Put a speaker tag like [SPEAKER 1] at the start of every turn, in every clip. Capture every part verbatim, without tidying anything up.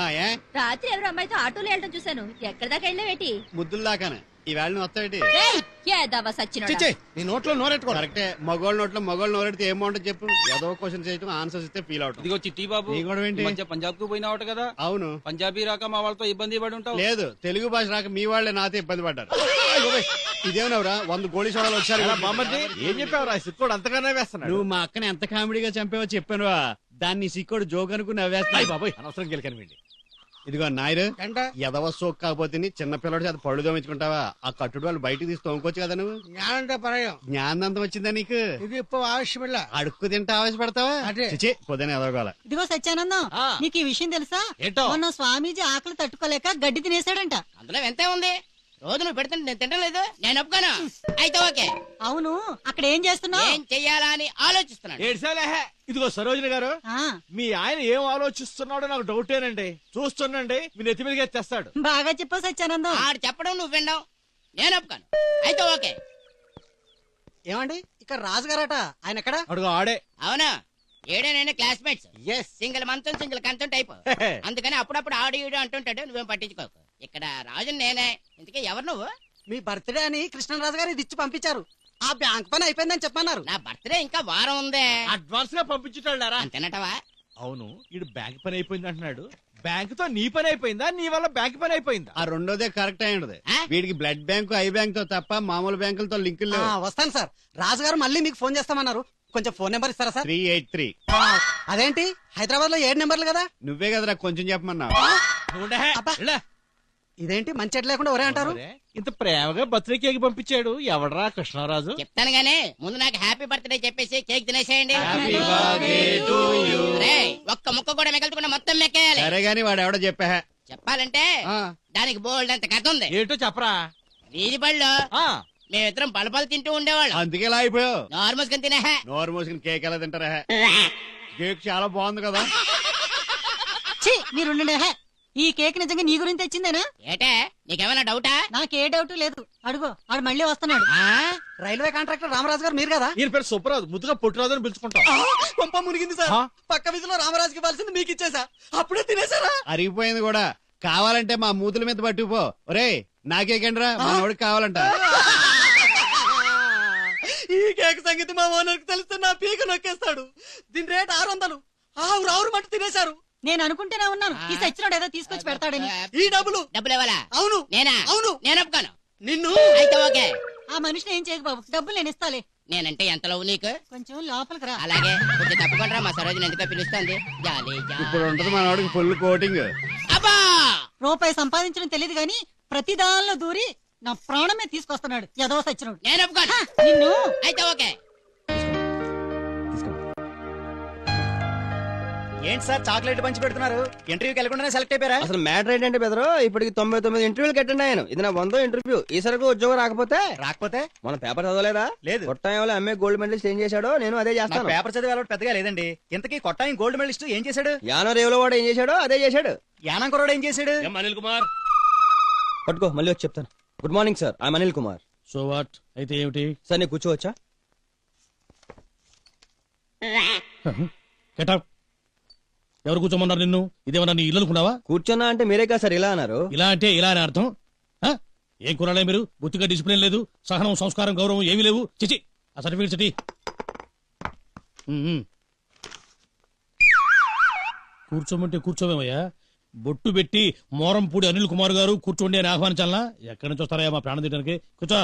[SPEAKER 1] రాత్రి ఎవరు అమ్మాయితో ఆటోలో వెళ్ళడం చూశాను. ఎక్కడి దాకా వెళ్ళావేటి?
[SPEAKER 2] ముద్దులు దాకానే. ఈవేళ నువ్వు వస్తావేటి?
[SPEAKER 3] నీ నోట్లో నోరెట్టుకో.
[SPEAKER 2] కరెక్టే. మగోళ్ళ నోట్లో మగోళ్ళు నోరెడితే ఏం బాగుంటుంది చెప్పు. ఏదో క్వశ్చన్ చేయటం ఆన్సర్స్ ఇస్తే ఫీల్ అవుతుంది.
[SPEAKER 4] ఇదిగో చిట్టి బాబు,
[SPEAKER 2] నీ కూడా ఏంటి?
[SPEAKER 4] మంచిగా పంజాబ్ కు పోయినావట కదా?
[SPEAKER 2] అవును.
[SPEAKER 4] పంజాబీ రాక మా వాళ్ళతో ఇబ్బంది పడి ఉంటావు.
[SPEAKER 2] లేదు, తెలుగు భాష రాక మీ వాళ్ళే నాతో ఇబ్బంది పడ్డారు. ఇదేమనవరా వంద గోళీ సోడాలు వచ్చారు.
[SPEAKER 3] ఏం చెప్పావురా? సిక్కుడు అంతగానే వేస్తున్నాడు.
[SPEAKER 2] నువ్వు మా అక్కని ఎంత కామెడీగా చంపావో చెప్పానువా. దాన్ని సిక్కోడు జోక్ అనుకుని నవ్వేస్తాయి.
[SPEAKER 3] బాబాయ్ అనవసరం గెలికనివ్వండి.
[SPEAKER 2] ఇదిగో నాయరు, ఎదవ సోక్ కాకపోతే చిన్న పిల్లడు చేత పళ్ళు దోమించుకుంటావా? ఆ కట్టుడు వాళ్ళు బయటకు తీసి తోముకోవచ్చు కదా నువ్వు. జ్ఞానంతం వచ్చిందా నీకు?
[SPEAKER 5] ఇది ఆవశ్యమిల్ల.
[SPEAKER 2] అడుక్కు తింటే ఆవేశపడతావా? చిచి పొద్దున ఎదవగల.
[SPEAKER 6] ఇదిగో సత్యానందం, నీకు ఈ విషయం తెలుసా? మొన్న స్వామీజీ ఆకలి తట్టుకోలేక గడ్డి తినేసాడంట.
[SPEAKER 7] అందులో ఎంత ఉంది? రోజు నువ్వు పెడుతుంటే నేను తింటం లేదు. నేను ఒప్పుకోను. అయితే ఓకే.
[SPEAKER 6] అవును, అక్కడ ఏం చేస్తున్నావు?
[SPEAKER 7] ఏం చెయ్యాలా అని ఆలోచిస్తున్నాను.
[SPEAKER 3] ఏడ్సాలేహే. ఇదిగో సరోజిని గారు, మీ ఆయన ఏం ఆలోచిస్తున్నాడో నాకు డౌటేనండి. చూస్తుండండి, మీ నెత్తి మీదకి తెస్తాడు.
[SPEAKER 6] బాగా చెప్పు సత్యానందం.
[SPEAKER 7] ఆడు చెప్పడం నువ్వు వినడం నేను ఒప్పుకోను. అయితే ఓకే.
[SPEAKER 5] ఏమండి ఇక్కడ రాజుగారట, ఆయన ఎక్కడ?
[SPEAKER 3] అడుగు ఆడే.
[SPEAKER 7] అవునా? ఏడే నేను క్లాస్మేట్స్. సింగిల్ మంచం సింగిల్ కంచం టైప్. అందుకని అప్పుడప్పుడు ఆడు ఈడు అంటుంటాడు. నువ్వేం పట్టించుకోకు. ఇక్కడ రాజు నేనే. ఇంతకీ ఎవరు నువ్వు?
[SPEAKER 5] మీ బర్త్డే అని కృష్ణరాజు గారు ఇది ఇచ్చి పంపించారు. ఆ బ్యాంక్ పని అయిపోయిందని చెప్పన్నారు.
[SPEAKER 7] నా బర్త్డే ఇంకా వారం ఉందే.
[SPEAKER 3] అడ్వాన్స్ గా పంపించుతాడారా?
[SPEAKER 7] అంతేనటవా?
[SPEAKER 3] అవును, ఇడు బ్యాంక్ పని అయిపోయింది అంటున్నాడు. బ్యాంక్ తో నీ పని అయిపోయిందా, నీ వల్ల బ్యాంక్ పని అయిపోయిందా?
[SPEAKER 2] ఆ రెండోదే కరెక్ట్ అయి ఉండదు. వీడికి బ్లడ్ బ్యాంకు ఐ బ్యాంక్ తో తప్ప మామూలు బ్యాంకులతో లింకులు లేవు.
[SPEAKER 5] వస్తాను సార్. రాజుగారు మళ్ళీ మీకు ఫోన్ చేస్తామన్నారు. కొంచెం ఫోన్ నెంబర్ ఇస్తారా సార్?
[SPEAKER 2] Three eight three.
[SPEAKER 5] అదేంటి హైదరాబాద్ లో ఏడు నెంబర్లు కదా?
[SPEAKER 2] నువ్వే కదరా కొంచెం చెప్పమన్నావు.
[SPEAKER 5] ఇదేంటి మంచి ఎట్ లేకుండా ఒరే అంటారు?
[SPEAKER 3] ఇంత ప్రేమగా బర్త్డే కేక్ పంపించాడు ఎవడరా? కృష్ణరాజు.
[SPEAKER 7] చెప్తాను గానీ ముందు నాకు హ్యాపీ బర్త్డే చెప్పేసి కేక్ తినేసేయండి. ఒక్క ముక్క కూడా మిగల్చకుండా మొత్తం మెక్కేయాలి.
[SPEAKER 2] సరే గాని వాడు ఎవడో చెప్పా.
[SPEAKER 7] చెప్పాలంటే దానికి బోల్డ్ అంత కథ ఉంది.
[SPEAKER 3] ఏంటో చెప్పరా?
[SPEAKER 7] వీధి బళ్ళు మేమిద్దరం పలపలు తింటూ ఉండేవాళ్ళు.
[SPEAKER 2] అందుకే ఇలా అయిపోయావు.
[SPEAKER 7] నోరు మూసుకుని తినే.
[SPEAKER 2] నోరు మూసుకుని కేక్ ఎలా తింటారా? కేక్ చాలా బాగుంది కదా.
[SPEAKER 6] మీరు ఈ కేక్ నిజంగా నీ గురించి తెచ్చిందేనా?
[SPEAKER 7] ఏటే నీకేమైనా డౌటా?
[SPEAKER 6] నాకే డౌట్ లేదు. అడుగు, ఆడు మళ్ళీ వస్తున్నాడు.
[SPEAKER 5] రైల్వే కాంట్రాక్టర్ రామరాజు గారు మీరు కదా?
[SPEAKER 3] ఈయన పేరు సుబ్బరాజు, ముద్దుగా పుట్టిరాజు అని పిలుచుకుంటాం.
[SPEAKER 5] పంప మునిగింది సార్. పక్క వీధిలో రామరాజుకి ఇవ్వాల్సింది మీకు ఇచ్చేసా. అప్పుడే తినేసారా?
[SPEAKER 2] అరిగిపోయింది కూడా. కావాలంటే మా మూతుల మీద పట్టుకుపో. ఒరే నాకేకండ్రా, మా వాడికి కావాలంట.
[SPEAKER 5] ఈ కేక్ సంగతి మా ఓనర్కి తెలిస్తే నా పీక నొక్కేస్తాడు. దీని రేట్ ఆరు వందలు. ఆరు ఆరు మట్టు తినేశారు.
[SPEAKER 6] నేను అనుకుంటేనే ఉన్నాను ఈ సచ్చినోడు ఏదో తీసుకొచ్చి పెడతాడని.
[SPEAKER 5] ఈ డబ్బులు
[SPEAKER 7] డబ్బులు ఇవ్వాలా?
[SPEAKER 5] అవును.
[SPEAKER 7] నేనా?
[SPEAKER 5] అవును.
[SPEAKER 7] నేను ఒప్పుకోను.
[SPEAKER 5] నిన్ను.
[SPEAKER 7] అయితే ఓకే.
[SPEAKER 6] ఆ మనిషిని ఏం చేయకు బాబు, డబ్బులు నేను ఇస్తాలే.
[SPEAKER 7] నేనంటే ఎంత లవ్ నీకు?
[SPEAKER 6] కొంచెం లోపలికి రా.
[SPEAKER 7] అలాగే కొంచెం తప్పకుండా మా సరోజిని ఎందుకో పిలుస్తుంది. జాలీ
[SPEAKER 2] ఇప్పుడు ఉంటుంది మన వాడికి ఫుల్ కోటింగ్.
[SPEAKER 7] అబ్బా
[SPEAKER 6] రూపాయి సంపాదించడం తెలియదు గాని ప్రతి దానిలో దూరి నా ప్రాణమే తీసుకొస్తున్నాడు ఏదో సచ్చినోడు.
[SPEAKER 7] నేను ఒప్పుకోను.
[SPEAKER 6] నిన్ను.
[SPEAKER 7] అయితే ఓకే.
[SPEAKER 8] ఏంటి సార్ చాక్లెట్ పంచి పెడుతున్నారు? ఇంటర్వ్యూకి వెళ్ళకుండానే సెలెక్ట్ అయిపోయారా?
[SPEAKER 9] అసలు మ్యాటర్ ఏంటంటే బెదరు, ఇప్పటికి తొంభై తొమ్మిది ఇంటర్వ్యూలు అటెండ్ అయ్యాను. ఇది నా వందో ఇంటర్వ్యూ. ఈ సరకు ఉద్యోగం రాకపోతే
[SPEAKER 8] రాకపోతే
[SPEAKER 9] మన పేపర్ చదవలేదా? లేదు. కొట్టాయంలో ఎంఏ గోల్డ్ మెడలిస్ట్ ఏం చేశాడో నేను అదే చేస్తాను.
[SPEAKER 8] పేపర్ చదివే అలవాటు పెద్దగా లేదండి. ఇంతకీ కొట్టాయం గోల్డ్ మెడలిస్ట్ ఏం చేశాడు?
[SPEAKER 9] యానో రేవులో వాడు ఏం చేశాడో అదే చేశాడు.
[SPEAKER 8] యానం కుర్రాడు ఏం చేశాడు?
[SPEAKER 4] అనిల్ కుమార్
[SPEAKER 9] పట్టుకో, మళ్ళీ వచ్చి చెప్తాను. Good morning sir, I'm Anil Kumar.
[SPEAKER 4] So what? అయితే ఏమిటి
[SPEAKER 9] సార్ నీకు కూర్చోవచ్చా?
[SPEAKER 4] గెటప్. ఎవరు కూర్చోమన్నారు నిన్ను? ఇదేమన్నా నీ ఇల్లు అనుకున్నావా?
[SPEAKER 9] కూర్చున్నా అంటే మీరే కదా సార్ ఇలా అన్నారు.
[SPEAKER 4] ఇలా అంటే ఇలా అని అర్థం. ఏం కురాలే మీరు? బుద్ధిగా డిసిప్లిన్ లేదు, సహనం సంస్కారం గౌరవం ఏమీ లేవు. చిచి ఆ సర్టిఫికేట్ సిటీ. కూర్చోమంటే కూర్చోమేమయ్యా? బొట్టు పెట్టి మోరంపూడి అనిల్ కుమార్ గారు కూర్చోండి అని ఆహ్వానించాలనా? ఎక్కడి నుంచి వస్తారయ్యా మా ప్రాణం తీయడానికి? కూర్చో.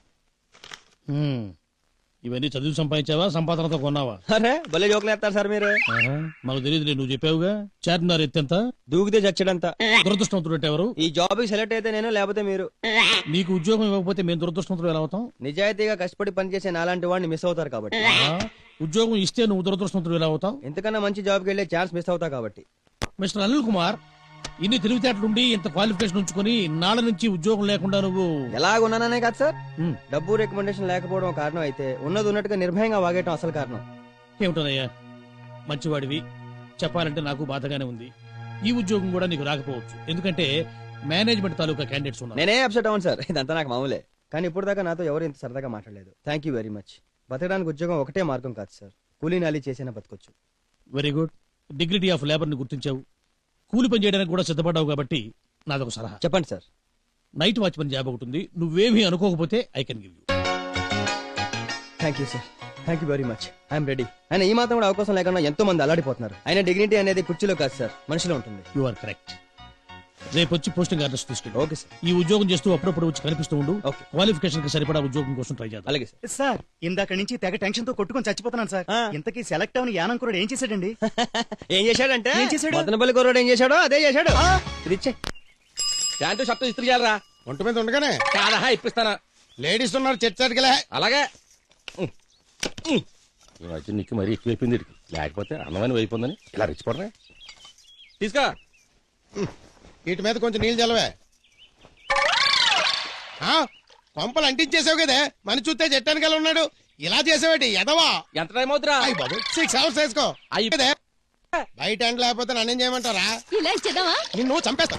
[SPEAKER 4] ఇవన్నీ చదువు సంపాదించావా, సంపాదనతో కొన్నావా?
[SPEAKER 9] అరే భలే జోకులు వేస్తారు సార్ మీరు.
[SPEAKER 4] మాకు తెలియదు, నువ్వు చెప్పావుగా. చార్మినార్ ఎత్తెంత?
[SPEAKER 9] దూకితే చచ్చడంతా.
[SPEAKER 4] దురదృష్టవంతుడు ఎవరు?
[SPEAKER 9] ఈ జాబ్ కి సెలెక్ట్ అయితే నేను, లేకపోతే మీరు.
[SPEAKER 4] నీకు ఉద్యోగం ఇవ్వకపోతే మేము దురదృష్టవంతులు ఎలా అవుతాం?
[SPEAKER 9] నిజాయితీగా కష్టపడి పనిచేసే నాలాంటి వాడిని మిస్ అవుతారు కాబట్టి.
[SPEAKER 4] ఉద్యోగం ఇస్తే నువ్వు దురదృష్టవంతులు ఎలా అవుతావు?
[SPEAKER 9] ఎంతకన్నా మంచి జాబ్కి వెళ్ళే ఛాన్స్ మిస్ అవుతా కాబట్టి.
[SPEAKER 4] మిస్టర్ అనిల్ కుమార్, ఇన్ని తెలివితేటలుండి ఇంత క్వాలిఫికేషన్ ఉంచుకుని నాళ్ళ నుంచి ఉద్యోగం లేకుండా నువ్వు
[SPEAKER 9] ఎలాగున్నాననే కాదు సార్, డబ్బు రికమెండేషన్ లేకపోవడం కారణం అయితే ఉన్నది ఉన్నట్టుగా నిర్భయంగా వాగేయటం అసలు కారణం.
[SPEAKER 4] ఏమిటోనయ్యా, మంచివాడివి, చెప్పాలంటే నాకు బాధగానే ఉంది. ఈ ఉద్యోగం కూడా నీకు రాకపోవచ్చు, ఎందుకంటే మేనేజ్మెంట్ తాలూకా క్యాండిడేట్స్ ఉన్నారు.
[SPEAKER 9] నేనే అప్సెట్ అవును సార్, ఇదంతా నాకు మామూలే. కానీ ఇప్పుడు దాకా నాతో ఎవరు ఇంత సరదాగా మాట్లాడలేదు. Thank you very much. బతకడానికి ఉద్యోగం ఒకటే మార్గం కాదు సార్, కూలీ నాలి చేసినా బతకొచ్చు.
[SPEAKER 4] Very good. Dignity of labour ని గుర్తించావు. కూలి పని చేయడానికి కూడా సిద్ధపడ్డావు కాబట్టి నాదొక సలహా.
[SPEAKER 9] చెప్పండి సార్.
[SPEAKER 4] నైట్ వాచ్మెన్ జాబ్ ఒకటి ఉంది, నువ్వేమీ అనుకోకపోతే I can give you.
[SPEAKER 9] Thank you sir, thank you very much. I'm ready. ఆయన ఈ మాత్రం కూడా అవకాశం లేకుండా ఎంతో మంది అల్లాడిపోతున్నారు. ఆయన డిగ్నిటీ అనేది కుర్చీలో కాదు సార్, మనిషిలో ఉంటుంది.
[SPEAKER 4] You are correct. రేపు వచ్చి పోస్టింగ్ ఆర్డర్స్ తీసుకెళ్ళి.
[SPEAKER 9] Okay sir.
[SPEAKER 4] ఈ ఉద్యోగం చేస్తూ అప్పుడప్పుడు వచ్చి కనిపిస్తూ ఉండు.
[SPEAKER 9] ఓకే.
[SPEAKER 4] క్వాలిఫికేషన్ కి సరిపడా ఉద్యోగం కోసం ట్రై చేద్దాం.
[SPEAKER 9] అలాగే సార్.
[SPEAKER 8] సార్ ఇందాక నుంచి తెగ టెన్షన్ తో కొట్టుకొని చచ్చిపోతున్నాను సార్.
[SPEAKER 9] ఆ.
[SPEAKER 8] ఇంతకీ సెలెక్ట్ అవని యానంకురుడు ఏం చేశాడండి?
[SPEAKER 9] ఏం చేశాడంటే
[SPEAKER 8] ఏం చేశాడు?
[SPEAKER 9] మదనపల్లి కుర్రాడు ఏం చేశాడో అదే చేశాడు. ఇది ఇచ్చే
[SPEAKER 10] ప్యాంటు షర్టు ఇస్త్రీ చేయాలరా.
[SPEAKER 2] ఒంటి మీద ఉండగానే
[SPEAKER 10] కాదా ఇప్పిస్తానా?
[SPEAKER 2] లేడీస్ ఉన్నారు చర్చడికెళ్ళే.
[SPEAKER 10] అలాగే ఈ మధ్య నీకు మరీ ఎక్కువైపోయింది వీడికి. లేకపోతే అన్నమని అయిపోయిందని ఇలా రెచ్చిపోవడమే. తీసుకో.
[SPEAKER 2] వీటి మీద కొంచెం నీళ్ళు చల్లవే. ఆ, కొంపలు అంటించేసావు కదే, మన చూస్తే చెట్టానికి ఉన్నాడు. ఇలా చేసావేటి ఎదవా?
[SPEAKER 10] ఎంత టైం అవుతురా?
[SPEAKER 2] అయ్యి బాబు, సిక్స్ అవర్స్ వేసుకో.
[SPEAKER 10] అయ్యి.
[SPEAKER 2] కదే, బయట ఎండ లేకపోతే నన్నేం చేయమంటారా?
[SPEAKER 1] ఇలా ఇచ్చేద్దామా?
[SPEAKER 2] నిన్ను చంపేస్తా.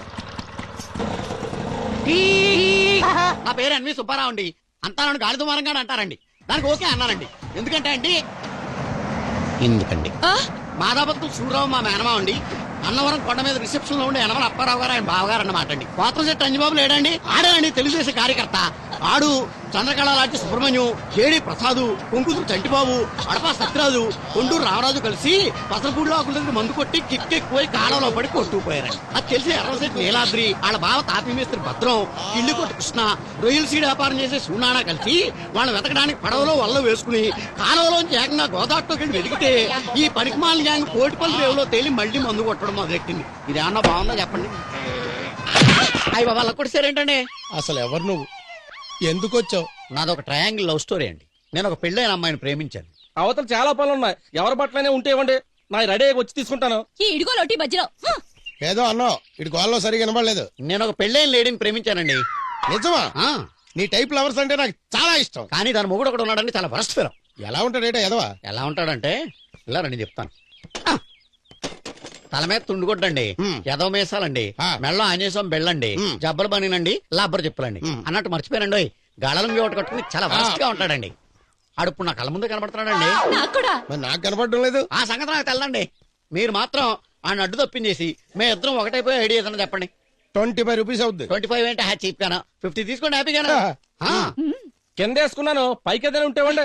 [SPEAKER 5] నా పేరు ఎన్వి సుబ్బారావు అండి. అంతా నన్ను గాలి దుమారంగా అంటారండి. దానికి ఓకే అన్నానండి. ఎందుకంటే అండి ఎందుకండి మాదాపత్తులు సూర్యరావు మా మేనమా అండి. అన్నవరం కొండ మీద రిసెప్షన్ లో ఉండే యనమల అప్పారావు గారు ఆయన బావగారు అన్నమాట అండి. కోతం శెట్టి అంజబాబు లేడండి, ఆడానండి తెలుగుదేశం కార్యకర్త. ఆడు చంద్రకళ లాంటి సుబ్రహ్మణ్యం, కేడి ప్రసాదు, కొంకుతురు చంటిబాబు, అడపా సత్యరాజు, కొండూరు రామరాజు కలిసి పసరపూడిలో ఆకుల దగ్గర మందు కొట్టి కిక్కెక్కుపోయి కాలంలో పడి కొట్టుకుపోయారండి. అది తెలిసి ఎర్రశెట్టి నీలాద్రి, వాళ్ళ బావ తాపీ మేస్త్రి భద్రం, ఇల్లు కొట్టి కృష్ణ, రొయ్యల సీడ్ వ్యాపారం చేసే సూనానా కలిసి వాళ్ళని వెతకడానికి పడవలో వల్ల వేసుకుని కాలంలోంచి ఏకంగా గోదావరిలోకి వెళ్ళి వెతికితే ఈ పనికిమాల గ్యాంగ్ కోటిపల్లి రేవులో తేలి మళ్ళీ మందు కొట్టడం మొదలెట్టింది. ఇది ఏమన్నా బాగుందా చెప్పండి? అయ్యి బాబా అలా కొట్టేసారేంటండి?
[SPEAKER 2] అసలు ఎవరు నువ్వు, ఎందుకు వచ్చావు?
[SPEAKER 5] నాదొక ట్రయాంగిల్ లవ్ స్టోరీ అండి. నేను ఒక పెళ్ళైన అమ్మాయిని ప్రేమించాను.
[SPEAKER 10] అవతల చాలా పనులు ఉన్నాయి, ఎవరి బట్టలనే ఉంటే ఇవ్వండి, నా రెడీ వచ్చి తీసుకుంటాను.
[SPEAKER 1] ఈ ఇడుగో లోటి మధ్యలో హ్మ్.
[SPEAKER 2] ఏదో అన్నావు, ఇటు గోల్లో సరిగా వినబడలేదు.
[SPEAKER 5] నేను ఒక పెళ్ళైన లేడీని ప్రేమించానండి.
[SPEAKER 2] నిజమా?
[SPEAKER 5] ఆ,
[SPEAKER 2] నీ టైప్ లవర్స్ అంటే నాకు చాలా ఇష్టం.
[SPEAKER 5] కానీ దాని మొగుడు ఒకడు ఉన్నాడని చాలా వరస్ట్ ఫిరం.
[SPEAKER 2] ఎలా ఉంటాడేటో ఎదవా?
[SPEAKER 5] ఎలా ఉంటాడంటే ఇలా రండి చెప్తాను. ఆ, తల మీద తుండుకొట్టండి,
[SPEAKER 2] హ్మ్.
[SPEAKER 5] ఎదవ మేసాలండి,
[SPEAKER 2] ఆ.
[SPEAKER 5] మెళ్ళో ఆంజనేయం బెళ్ళండి,
[SPEAKER 2] హ్మ్.
[SPEAKER 5] జబ్బలు బనినండి, లబ్బర్ చెప్పులండి
[SPEAKER 2] హ్మ్.
[SPEAKER 5] అన్నట్టు మర్చిపోయానండి. గాళంగి ఒకటి కట్టుకుని చాలా వరస్ట్ గా ఉంటాడండి. ఆడు ఇప్పుడు నా కళ్ళ ముందు కనబడుతున్నాడండి.
[SPEAKER 1] నాకు కూడా
[SPEAKER 2] మరి నాకు కనపడడం లేదు.
[SPEAKER 5] ఆ సంగతి నాకు తెల్లండి. మీరు మాత్రం ఆయన అడ్డు తప్పించేసి మే ఇద్దరం ఒకటైపోయి ఐడియా ఏదైనా చెప్పండి.
[SPEAKER 2] ట్వంటీ ఫైవ్ రూపీస్ అవుద్ది.
[SPEAKER 5] ట్వంటీ ఫైవ్ ఏంటి హ్యాచ్ చీప్ గానా? ఫిఫ్టీ తీసుకోండి హ్యాపీగానా? ఆ,
[SPEAKER 10] కింద వేసుకున్నాను, పైకి ఏదైనా ఉంటే ఇవ్వండి.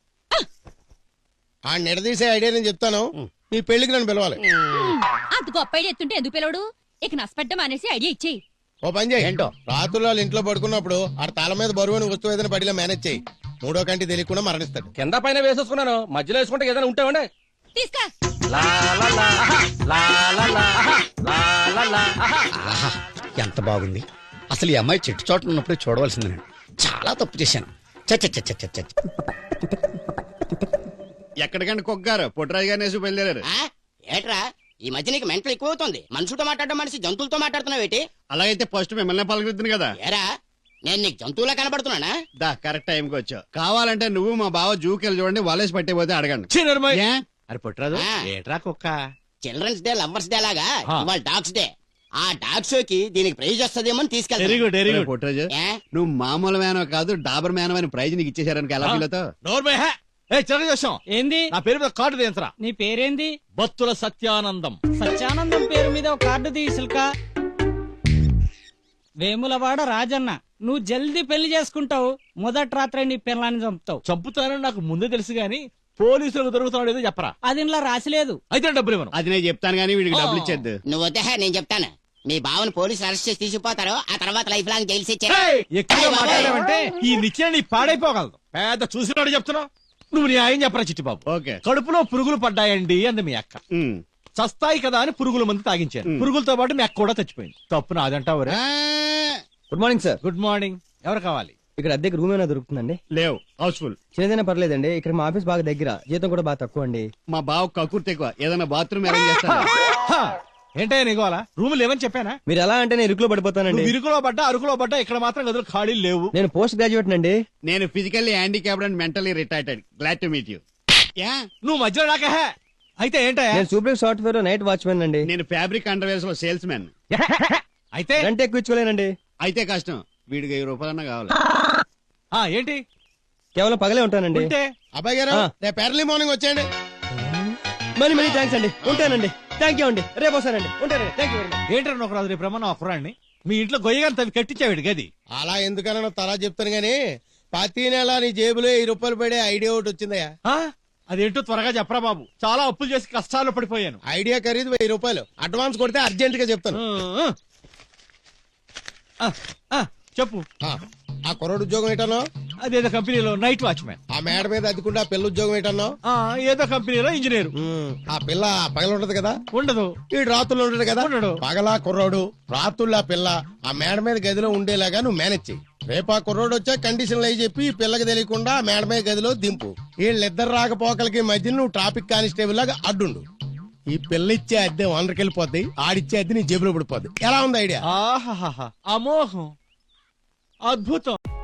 [SPEAKER 2] ఆ నిడదీసే ఐడియా నేను చెప్తాను. నీ పెళ్లికి నన్ను పిలవాలి.
[SPEAKER 1] అంత గొప్ప ఐడియా ఎత్తుంటే ఎందుకు పిలవడు? ఇక నష్టపెట్టం అనేసి ఐడియా ఇచ్చేయి.
[SPEAKER 2] ఓ పని చేయి.
[SPEAKER 5] ఏంటో?
[SPEAKER 2] రాత్రులు వాళ్ళు ఇంట్లో పడుకున్నప్పుడు ఆ తాళ మీద బరువుని వస్తువు ఏదైనా పడిలా మేనేజ్ చేయి. మూడో కంటి తెలియకుండా మరణిస్తాడు.
[SPEAKER 10] కింద పైన వేసేసుకున్నాను, మధ్యలో వేసుకుంటే ఏదైనా ఉంటే ఇవ్వండి.
[SPEAKER 1] తీసుకా.
[SPEAKER 5] ఆహా, ఎంత బాగుంది. అసలు ఈ అమ్మాయి చెట్టు చోట ఉన్నప్పుడు చూడవలసింది. నేను చాలా తప్పు చేశాను. చచ్చ చచ్చ చచ్చ చచ్చ.
[SPEAKER 2] ఎక్కడికంటే కొగ్గారు పొట్టరాజు గారిని బయలుదేరారు.
[SPEAKER 7] ఆ? ఏట్రా ఈ మధ్య నీకు మెంటల్ ఎక్కువ అవుతుంది. మనుషులతో మాట్లాడడం మనిషి జంతువులతో మాట్లాడుతున్నావేటి?
[SPEAKER 2] అలాగైతే ఫస్ట్ మిమ్మల్ని పలకరిద్దును కదా.
[SPEAKER 7] ఏరా నేను నీకు జంతువులా కనబడుతున్నానా?
[SPEAKER 2] దా కరెక్ట్ టైంకి వచ్చావు. కావాలంటే నువ్వు మా బావ జూకెళ్ళి చూడండి, వాలేసి పట్టే అడగండి.
[SPEAKER 3] ఛీ, నోర్మోయ్.
[SPEAKER 2] ఏ?
[SPEAKER 3] అరే పొట్టరాజు,
[SPEAKER 7] ఆ.
[SPEAKER 3] ఏట్రా కుక్క?
[SPEAKER 7] చిల్డ్రన్స్ డే లవర్స్ డే లాగా
[SPEAKER 3] ఆ.
[SPEAKER 7] ఇవాళ డాగ్స్ డే. ఆ డాగ్ షోకి దీనికి ప్రైజ్ వస్తుందేమో అని
[SPEAKER 3] వెరీ
[SPEAKER 7] తీసుకెళ్తా.
[SPEAKER 3] Good very good.
[SPEAKER 2] పొట్టరాజు,
[SPEAKER 7] ఏ?
[SPEAKER 2] నువ్వు మామూలు మేనో కాదు డాబర్ మేనో అని ప్రైజ్ నీకు ఇచ్చేసారని ఎలా ఫీల్ అవుతావు?
[SPEAKER 3] నోర్మోయ్, హే. ఏ చిన్న చూసాం
[SPEAKER 11] ఏంది
[SPEAKER 3] నా పేరు మీద కార్డు తీయంతరా.
[SPEAKER 11] నీ పేరేంది?
[SPEAKER 3] బత్తుల సత్యానందం.
[SPEAKER 11] సత్యానందం పేరు మీద ఒక కార్డు తీసుక. వేములవాడ రాజన్న, నువ్వు జల్దీ పెళ్లి చేసుకుంటావు, మొదటి రాత్రి నీ పిల్లాన్ని చంపుతావు.
[SPEAKER 3] చంపుతానని నాకు ముందే తెలుసు గాని పోలీసులకు దొరుకుతున్నాడు ఏదో చెప్పరా.
[SPEAKER 11] అది ఇంట్లో రాసిలేదు.
[SPEAKER 3] అయితే డబ్బులు ఇవ్వను.
[SPEAKER 2] అది నేను చెప్తాను కానీ వీడికి డబ్బులు ఇచ్చేద్దు.
[SPEAKER 7] నువ్వు వద్దే నేను చెప్తాను. మీ బావని పోలీసులు అరెస్ట్ చేసి తీసుకుపోతారు. ఆ తర్వాత లైఫ్ లాంగ్ జైలు శిక్ష.
[SPEAKER 3] ఏయ్, ఎక్కువ మాట్లాడావంటే ఈ నిత్యం నీ పాడైపోగలదు. పెద్ద చూసినాడు చెప్తున్నావు. నువ్వు నీ ఆయన చెప్పరా చిట్టిబాబు.
[SPEAKER 2] ఓకే.
[SPEAKER 3] కడుపులో పురుగులు పడ్డాయండి అంది మీ అక్క.
[SPEAKER 2] ఉమ్.
[SPEAKER 3] చస్తాయి కదా అని పురుగుల మంది తాగించాను.
[SPEAKER 2] మ్.
[SPEAKER 3] పురుగులతో పాటు మీ అక్క కూడా చచ్చిపోయింది. తప్పు నాదంటావు రే.
[SPEAKER 2] ఆ,
[SPEAKER 9] good morning sir.
[SPEAKER 3] Good morning. ఎవరు కావాలి?
[SPEAKER 9] ఇక్కడ అద్దెకి రూమ్ ఏమైనా దొరుకుతుందండి?
[SPEAKER 2] లేవు, హౌస్ఫుల్.
[SPEAKER 9] చిన్నదైనా పర్లేదండి, ఇక్కడ మా ఆఫీస్ బాగా దగ్గర, జీతం కూడా బాగా తక్కువ అండి.
[SPEAKER 2] మా బావ కక్కుర్తి ఎక్కువ. ఏదైనా బాత్రూమ్ అరేంజ్ చేస్తాను.
[SPEAKER 3] హా, ఏంటయ్యా నీకు అలా రూమ్ లేవని చెప్పానా?
[SPEAKER 9] మీరు ఎలా అంటే నేను ఇరుకులో పడిపోతానండి.
[SPEAKER 3] నువ్వు ఇరుకులో పడ్డా అరుకులో పడ్డా ఇక్కడ మాత్రం గదులు ఖాళీ లేవు.
[SPEAKER 9] నేను పోస్ట్ గ్రాడ్యుయేట్ అండి.
[SPEAKER 2] నేను physically handicapped and mentally retired. Glad to meet you. Yeah,
[SPEAKER 3] నువ్వు మధ్యలో నాకే హే. అయితే ఏంటయ్యా?
[SPEAKER 9] నేను సూపర్ సాఫ్ట్వేర్ లో నైట్ వాచ్మెన్ అండి.
[SPEAKER 2] నేను ఫ్యాబ్రిక్ అండర్వేర్స్ లో సేల్స్ మ్యాన్.
[SPEAKER 3] అయితే
[SPEAKER 9] రెంట్ ఎక్కువ ఇచ్చుకోలేనండి.
[SPEAKER 2] అయితే కష్టం. వీడికి వెయ్యి రూపాయలన్నా కావాలి.
[SPEAKER 3] ఆ, ఏంటి
[SPEAKER 9] కేవలం పగలే ఉంటానండి.
[SPEAKER 3] ఉంటే
[SPEAKER 2] అబ్బాయి గారు
[SPEAKER 9] ఆ.
[SPEAKER 2] రేపు ఎర్లీ మార్నింగ్ వచ్చేయండి.
[SPEAKER 9] మనీ మనీ థ్యాంక్స్ అండి, ఉంటానండి. థ్యాంక్ యూ అండి రేపు వస్తానండి ఉంటానండి థ్యాంక్ యూ వెరీ మచ్.
[SPEAKER 3] ఏంటారు నొకరాజు రేపు రమ్మన్నా ఒకరాన్ని మీ ఇంట్లో గొయ్యగాని తవి కట్టించావిడి గది.
[SPEAKER 12] అలా ఎందుకన్నా తలా చెప్తాను గానీ ప్రతి నెల నీ జేబులో వెయ్యి రూపాయలు పడే ఐడియా ఒకటి వచ్చిందయ్యా.
[SPEAKER 3] ఆ? అదేంటో త్వరగా చెప్పరా బాబు, చాలా అప్పులు చేసి కష్టాల్లో పడిపోయాను.
[SPEAKER 12] ఐడియా ఖరీదు వెయ్యి రూపాయలు అడ్వాన్స్ కొడితే అర్జెంట్ గా చెప్తాను.
[SPEAKER 3] ఆ, ఆ, చెప్పు.
[SPEAKER 12] ఆ, ఆ కుర్రోడు ఉద్యోగం ఏంటన్నావు?
[SPEAKER 3] అదేదో కంపెనీలో నైట్ వాచ్మెన్.
[SPEAKER 12] ఆ మేడ మీద అద్దుకుంటే ఆ పిల్ల ఉద్యోగం ఏంటన్నావు?
[SPEAKER 3] ఆ, ఏదో కంపెనీలో ఇంజనీర్.
[SPEAKER 12] ఆ పిల్ల పగల ఉంటది కదా?
[SPEAKER 3] ఉండదు.
[SPEAKER 12] ఈ రాత్రులు ఉంటది కదా?
[SPEAKER 3] ఉండడు.
[SPEAKER 12] పగలా కుర్రోడు రాత్రులు ఆ పిల్ల ఆ మేడ మీద గదిలో ఉండేలాగా నువ్వు మేనేజ్ చెయ్యి. రేపు ఆ కుర్రోడు వచ్చా కండిషన్లు అయి చెప్పి ఈ పిల్లకి తెలియకుండా ఆ మేడ మీద గదిలో దింపు. వీళ్ళిద్దరు రాకపోకలకి మధ్య నువ్వు ట్రాఫిక్ కానిస్టేబుల్ లాగా అడ్డుండు. ఈ పిల్ల ఇచ్చే అద్దె వందరికి వెళ్ళిపోద్ది, ఆడిచ్చే అద్దె నీ జేబులో పడిపోద్ది. ఎలా ఉంది ఐడియా?
[SPEAKER 3] ఆహాహా, అమోఘం, అద్భుతం.